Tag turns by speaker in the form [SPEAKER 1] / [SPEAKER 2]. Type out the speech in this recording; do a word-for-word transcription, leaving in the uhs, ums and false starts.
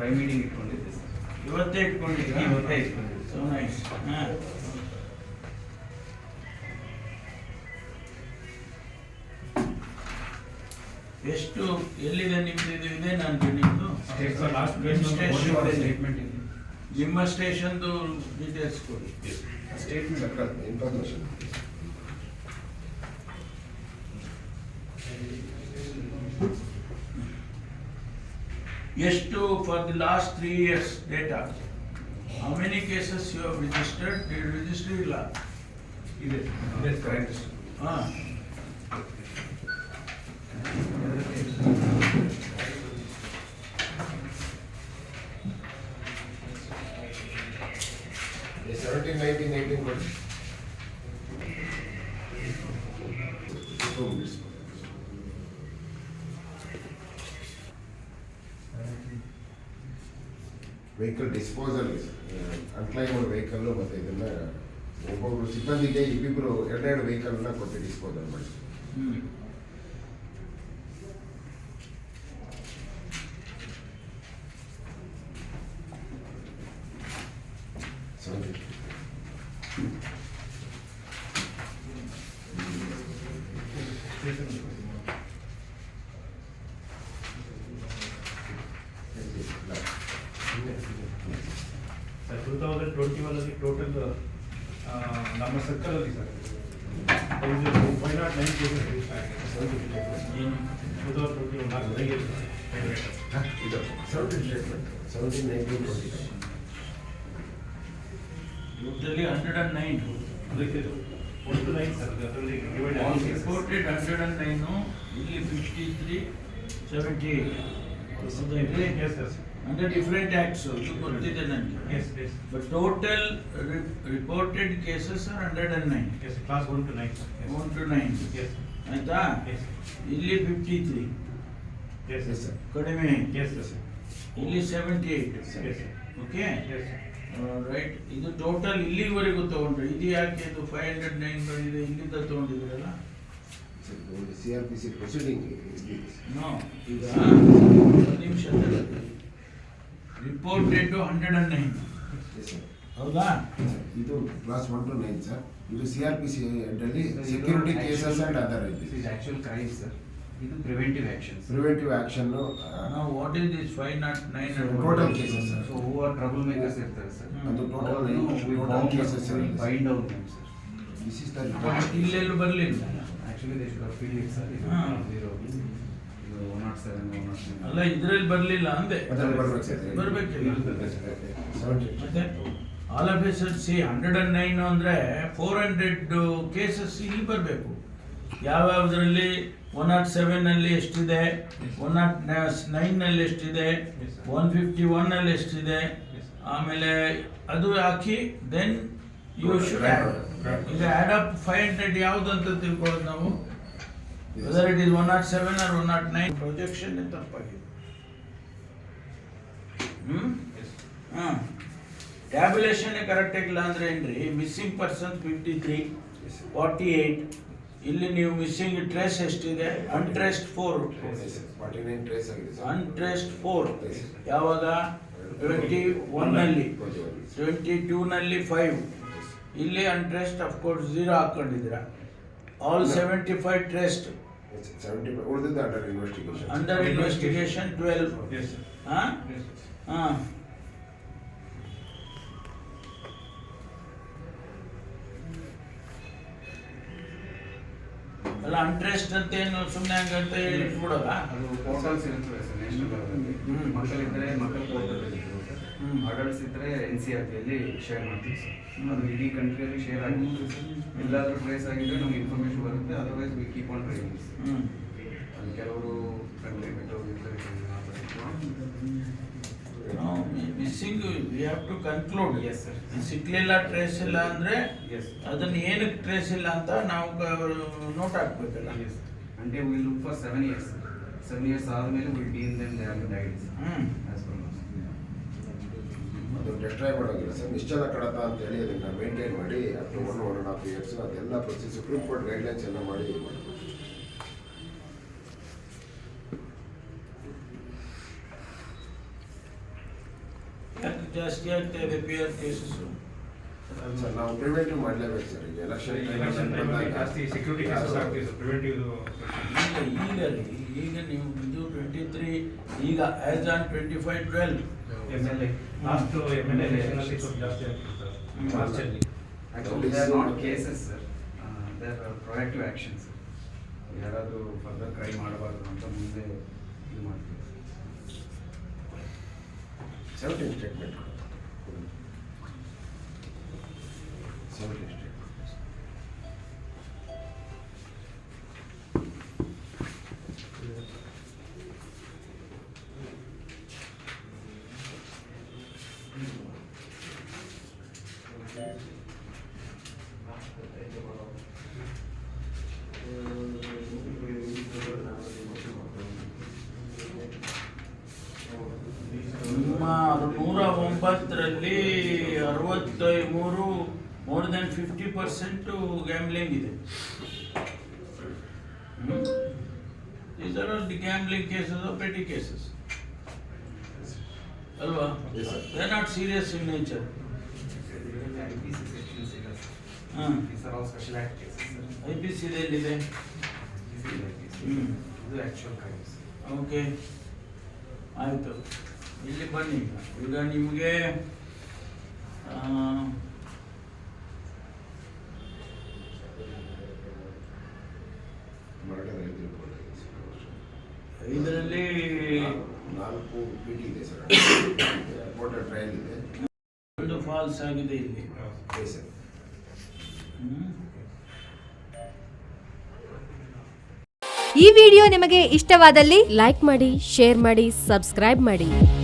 [SPEAKER 1] ಪ್ರೈ meeting ಇಟ್ಕೊಂಡಿದ್ದೆ sir.
[SPEAKER 2] ಇವತ್ತೇ ಇಟ್ಕೊಂಡಿದ್ದೆ.
[SPEAKER 1] ಇವತ್ತೇ ಇಟ್ಕೊಂಡಿದ್ದೆ.
[SPEAKER 2] So nice. ಹಾಂ, ಎಷ್ಟು ಎಲ್ಲಿದೆ ನಿಮ್ದು? ಇದು ಇದೆ ನಾನು ನಿಮ್ಮದು
[SPEAKER 1] ಸ್ಟೇಟ್ಮೆಂಟ್ ಇದೆ.
[SPEAKER 2] ನಿಮ್ಮ ಸ್ಟೇಷನ್ದು ಡೀಟೇಲ್ಸ್ ಕೊಡಿ.
[SPEAKER 3] ಸ್ಟೇಟ್ಮೆಂಟ್ ಇನ್ಫಾರ್ಮೇಶನ್
[SPEAKER 2] ಎಷ್ಟು for the last three years data? How many cases you have registered? Register ಇಲ್ಲ
[SPEAKER 1] ಇದೆ ಕರೆಕ್ಟ್.
[SPEAKER 2] ಹಾಂ,
[SPEAKER 3] seventeen, nineteen, eighteen, but vehicle disposal unclaimed vehicle ಮತ್ತೆ ಇದನ್ನ ಒಬ್ಬೊಬ್ರು ಸಿಬ್ಬಂದಿಗೆ ಇಬ್ಬಿಬ್ರು ಎರಡೆರಡು ವೆಹಿಕಲ್ನ ಕೊಟ್ಟು ಡಿಸ್ಪೋಸಲ್ ಮಾಡಿ.
[SPEAKER 2] ಹ್ಞೂ,
[SPEAKER 4] ಸರ್ ಟೂ ತೌಸಂಡ್ ಟ್ವೆಂಟಿ ಒನ್ನಲ್ಲಿ ಟೋಟಲ್ ನಮ್ಮ ಸರ್ಕಲಲ್ಲಿ sir five not nine cases register ಆಗಿದೆ sir. Two thousand twenty one ನಾಲ್ಕು ಬೆಳಗ್ಗೆ
[SPEAKER 3] ಇದು seventeen statement seventeen nineteen twenty
[SPEAKER 2] totally hundred and nine.
[SPEAKER 4] ಅದಕ್ಕೆ ಒನ್ ಟು ನೈನ್ ಸರ್ ಅದರಲ್ಲಿ divide
[SPEAKER 2] reported hundred and nine, ಇಲ್ಲಿ fifty three seventy eight
[SPEAKER 4] yes sir.
[SPEAKER 2] ಅಂದರೆ different acts, ಇದು ಗೊತ್ತಿದೆ ನನಗೆ.
[SPEAKER 4] Yes yes
[SPEAKER 2] but total reported cases are hundred and nine.
[SPEAKER 4] S class one two nine sir.
[SPEAKER 2] One two nine
[SPEAKER 4] yes
[SPEAKER 2] ಆಯ್ತಾ?
[SPEAKER 4] Yes
[SPEAKER 2] ಇಲ್ಲಿ fifty three
[SPEAKER 4] yes
[SPEAKER 3] yes sir.
[SPEAKER 2] ಕಡಿಮೆ,
[SPEAKER 4] yes sir.
[SPEAKER 2] ಇಲ್ಲಿ seventy eight.
[SPEAKER 4] Yes
[SPEAKER 2] okay
[SPEAKER 4] yes
[SPEAKER 2] right. ಇದು total ಇಲ್ಲಿವರೆಗೂ ತೊಗೊಂಡ್ರೆ ಇದು ಯಾಕೆ ಇದು ಫೈವ್ ಹಂಡ್ರೆಡ್ ನೈನ್ ಬಂದಿದೆ? ಇಲ್ಲಿಂದ ತೊಗೊಂಡಿದ್ದೀರಲ್ಲ?
[SPEAKER 3] C R P C proceeding
[SPEAKER 2] no, ಈಗ ಒಂದು ನಿಮಿಷ ರಿಪೋರ್ಟೆಡ್ ಹಂಡ್ರೆಡ್ ಅಂಡ್ ನೈನ್ ಹೌದಾ?
[SPEAKER 3] ಇದು class one two nine sir. ಇದು ಸಿ ಆರ್ ಪಿ ಸಿ ಅಲ್ಲಿ security cases and other
[SPEAKER 1] is actual crime sir. ಇದು ಪ್ರಿವೆಂಟಿವ್ ಆಕ್ಷನ್ಸ್.
[SPEAKER 3] Preventive action.
[SPEAKER 2] ನಾವು what is this five not nine?
[SPEAKER 3] Total cases sir.
[SPEAKER 1] So who are trouble makers ಇರ್ತಾರೆ sir.
[SPEAKER 3] ಅದು total total cases
[SPEAKER 1] bind out name sir.
[SPEAKER 3] This is the
[SPEAKER 2] ಇಲ್ಲೆಲ್ಲೂ ಬರಲಿಲ್ಲ.
[SPEAKER 1] Actually they should have filled it sir. ಇದು
[SPEAKER 2] ಹಾಂ.
[SPEAKER 1] zero ಇದು one not seven one not nine
[SPEAKER 2] ಅಲ್ಲ, ಇದ್ರಲ್ಲಿ ಬರಲಿಲ್ಲ ಅಂದೆ.
[SPEAKER 3] ಅದರಲ್ಲಿ ಬರ್ಬೇಕು ಸರ್.
[SPEAKER 2] ಬರ್ಬೇಕಿಲ್ಲ
[SPEAKER 3] ಸೆವೆಂಟಿ
[SPEAKER 2] ಮತ್ತೆ all of S C hundred and nine ಅಂದರೆ ಫೋರ್ ಹಂಡ್ರೆಡ್ ಕೇಸಸ್ ಇಲ್ಲಿ ಬರಬೇಕು. ಯಾವ್ಯಾವುದರಲ್ಲಿ ಒನ್ ನಾಟ್ ಸೆವೆನಲ್ಲಿ ಎಷ್ಟಿದೆ, ಒನ್ ನಾಟ್ ನೈನ್ನಲ್ಲಿ ಎಷ್ಟಿದೆ, ಒನ್ ಫಿಫ್ಟಿ ಒನ್ನಲ್ಲಿ ಎಷ್ಟಿದೆ, ಆಮೇಲೆ ಅದು ಹಾಕಿ ದೆನ್ ಯು ಶುಡ್ ಆ್ಯಡ್. ಈಗ ಆ್ಯಡ್ ಅಪ್ ಫೈವ್ ಹಂಡ್ರೆಡ್ ಯಾವುದು ಅಂತ ತಿಳ್ಕೊಳ್ಳೋದು ನಾವು. Whether it is one not seven or one not nine projection ತಪ್ಪಾಗಿದೆ. ಹ್ಞೂ ಹಾಂ, ಟ್ಯಾಬ್ಯುಲೇಷನ್ ಕರೆಕ್ಟ್ ಆಗಿಲ್ಲ ಅಂದರೆ ಏನ್ರಿ? Missing person fifty three, forty eight. ಇಲ್ಲಿ ನೀವು ಮಿಸ್ಸಿಂಗ್ ಟ್ರೇಸ್ ಎಷ್ಟಿದೆ? Untraced four.
[SPEAKER 3] Forty nine trace ಆಗಿದೆ ಸರ್.
[SPEAKER 2] ಅನ್ಟ್ರೇಸ್ಡ್ ಫೋರ್ ಯಾವಾಗ? ಟ್ವೆಂಟಿ ಒನ್ನಲ್ಲಿ, ಟ್ವೆಂಟಿ ಟೂನಲ್ಲಿ ಫೈವ್. ಇಲ್ಲಿ ಅನ್ಟ್ರೇಸ್ಡ್ ಅಫ್ಕೋರ್ಸ್ ಝೀರೋ ಹಾಕ್ಕೊಂಡಿದ್ದೀರಾ. All seventy five traced.
[SPEAKER 3] Seventy ಉಳಿದಿದ್ದು under investigation.
[SPEAKER 2] Under investigation twelve.
[SPEAKER 4] Yes sir.
[SPEAKER 2] ಹಾಂ ಹಾಂ ಅಲ್ಲ, ಅನ್ಟ್ರೆಸ್ಟ್ ಅಂತ ಏನು ಸುಮ್ಮನೆ ಹಂಗಂತ ಹೇಳಿ ಬಿಡೋದ?
[SPEAKER 1] ಅದು ಪೋರ್ಟಲ್ಸ್ ಇರುತ್ತವೆ ಸರ್ ನ್ಯಾಷನಲ್ ಲೆವೆಲಲ್ಲಿ.
[SPEAKER 2] ಹ್ಮ್.
[SPEAKER 1] ಮಕ್ಕಳಿದ್ದರೆ ಮಕ್ಕಳ ಪೋರ್ಟಲ್ ಇರುತ್ತೆ ಸರ್.
[SPEAKER 2] ಹ್ಮ್.
[SPEAKER 1] ಅಡಲ್ಟ್ಸ್ ಇದ್ದರೆ ಎನ್ ಸಿ ಆರ್ ಟಿಯಲ್ಲಿ ಶೇರ್ ಮಾಡ್ತೀವಿ ಸರ್.
[SPEAKER 2] ಹ್ಮ್.
[SPEAKER 1] ಅದು ಇಡೀ ಕಂಟ್ರಿಯಲ್ಲಿ ಶೇರ್ ಆಗಿರುತ್ತೆ ಸರ್. ಎಲ್ಲಾದರೂ ಟ್ರೇಸ್ ಆಗಿದ್ರೆ ನಮ್ಗೆ ಇನ್ಫಾರ್ಮೇಶನ್ ಬರುತ್ತೆ. Otherwise we keep on training.
[SPEAKER 2] ಹ್ಞೂ
[SPEAKER 1] ಅದು ಕೆಲವರು ಕಂಟ್ರಿ ಬಿಟ್ಟು ಹೋಗಿರ್ತಾರೆ.
[SPEAKER 2] Missing we have to conclude.
[SPEAKER 1] Yes sir.
[SPEAKER 2] ಸಿಕ್ಲಿಲ್ಲ, ಟ್ರೇಸ್ ಇಲ್ಲ ಅಂದರೆ
[SPEAKER 1] ಎಸ್
[SPEAKER 2] ಅದನ್ನು ಏನಕ್ಕೆ ಟ್ರೇಸ್ ಇಲ್ಲ ಅಂತ ನಾವು ನೋಟ್ ಹಾಕ್ಬೇಕಲ್ಲ.
[SPEAKER 1] ಎಸ್ అంటే will look for seven years. Seven years ಆದಮೇಲೆ will dean then they have died
[SPEAKER 2] ಹ್ಞೂ
[SPEAKER 1] ಆಸ್ ಪರ್
[SPEAKER 3] ಅದು ಡೆಸ್ಟ್ರಾಯ್ ಮಾಡೋಂಗಿಲ್ಲ ಸರ್. ನಿಶ್ಚಲ ಕಡತ ಅಂತ ಹೇಳಿ ಅದನ್ನು ಮೇಂಟೈನ್ ಮಾಡಿ up to one one and half years ಅದೆಲ್ಲ ಪ್ರೊಸೀಸ್ ಸುಪ್ರೀಂ ಕೋರ್ಟ್ ಗೈಡ್ಲೈನ್ಸ್ ಎಲ್ಲ ಮಾಡಿ ಮಾಡಬೇಕು.
[SPEAKER 2] ಜಾಸ್ತಿ ಆಗ್ತಾ ಇದೆ ಪಿ ಆರ್ ಕೇಸಸ್.
[SPEAKER 3] ಸರ್ ನಾವು ಪ್ರಿವೆಂಟಿವ್ ಮಾಡಲೇಬೇಕು ಸರ್. ಈಗ ಎಲೆಕ್ಷನ್
[SPEAKER 4] ಎಲೆಕ್ಷನ್ ಟೈಮಲ್ಲಿ ಜಾಸ್ತಿ ಸೆಕ್ಯೂರಿಟಿ ಕೇಸಸ್ ಆಗ್ತಿದೆ ಸರ್. ಪ್ರಿವೆಂಟಿವ್
[SPEAKER 2] ಈಗ ಈಗ ರೀ ಈಗ ನೀವು ಇದು ಟ್ವೆಂಟಿ ತ್ರೀ ಈಗ as on twenty five twelve
[SPEAKER 4] M L A last M L A ಎಲೆಕ್ಷನಲ್ಲಿ ಸ್ವಲ್ಪ ಜಾಸ್ತಿ ಆಗ್ತಿದೆ ಸರ್ ಮಾರ್ಚಲ್ಲಿ.
[SPEAKER 1] Actually, they are not cases, sir. Uh, they are proactive actions. ಯಾರಾದರೂ ಫರ್ದರ್ ಕ್ರೈ ಮಾಡಬಾರ್ದು ಅಂತ ಮುಂದೆ ಇದು ಮಾಡ್ತೀವಿ.
[SPEAKER 3] ಸೆವೆಂಟೀನ್ ಸ್ಟೇಟ್ಮೆಂಟ್ ಸೆವೆಂಟೀನ್ ಸ್ಟೇಟ್ಮೆಂಟ್
[SPEAKER 2] ನಿಮ್ಮ ನೂರ ಒಂಬತ್ತರಲ್ಲಿ ಅರವತ್ತ ಮೂರು more than fifty percent gambling ಇದೆ. These are all the gambling cases or petty cases. ಅಲ್ವಾ?
[SPEAKER 3] Yes, sir.
[SPEAKER 2] They are not serious in nature.
[SPEAKER 1] I P C sections ಇಲ್ಲ sir.
[SPEAKER 2] ಹಾಂ
[SPEAKER 1] These are all special act cases, sir.
[SPEAKER 2] I P C ಎಲ್ಲಿದೆ?
[SPEAKER 1] This is I P C.
[SPEAKER 2] ಹ್ಮ್.
[SPEAKER 1] ಇದು actual crimes.
[SPEAKER 2] Okay ಆಯಿತು. ಇಲ್ಲಿ ಬನ್ನಿ ಈಗ. ಈಗ ನಿಮಗೆ
[SPEAKER 3] ಮರ್ಡರ್ ಐದು
[SPEAKER 2] ಇದರಲ್ಲಿ
[SPEAKER 3] ನಾಲ್ಕು ಪಿ ಟಿ ಇದೆ ಸರ್. ರಿಪೋರ್ಟೆಡ್ ಟ್ರಯಲ್ ಇದೆ.
[SPEAKER 2] ಒಂದು ಫಾಲ್ಸ್ ಆಗಿದೆ ಇಲ್ಲಿ.
[SPEAKER 3] ಇದೆ ಸರ್.
[SPEAKER 2] ಹ್ಮ್.
[SPEAKER 5] ಈ ವಿಡಿಯೋ ನಿಮಗೆ ಇಷ್ಟವಾದಲ್ಲಿ ಲೈಕ್ ಮಾಡಿ, ಶೇರ್ ಮಾಡಿ, ಸಬ್ಸ್ಕ್ರೈಬ್ ಮಾಡಿ.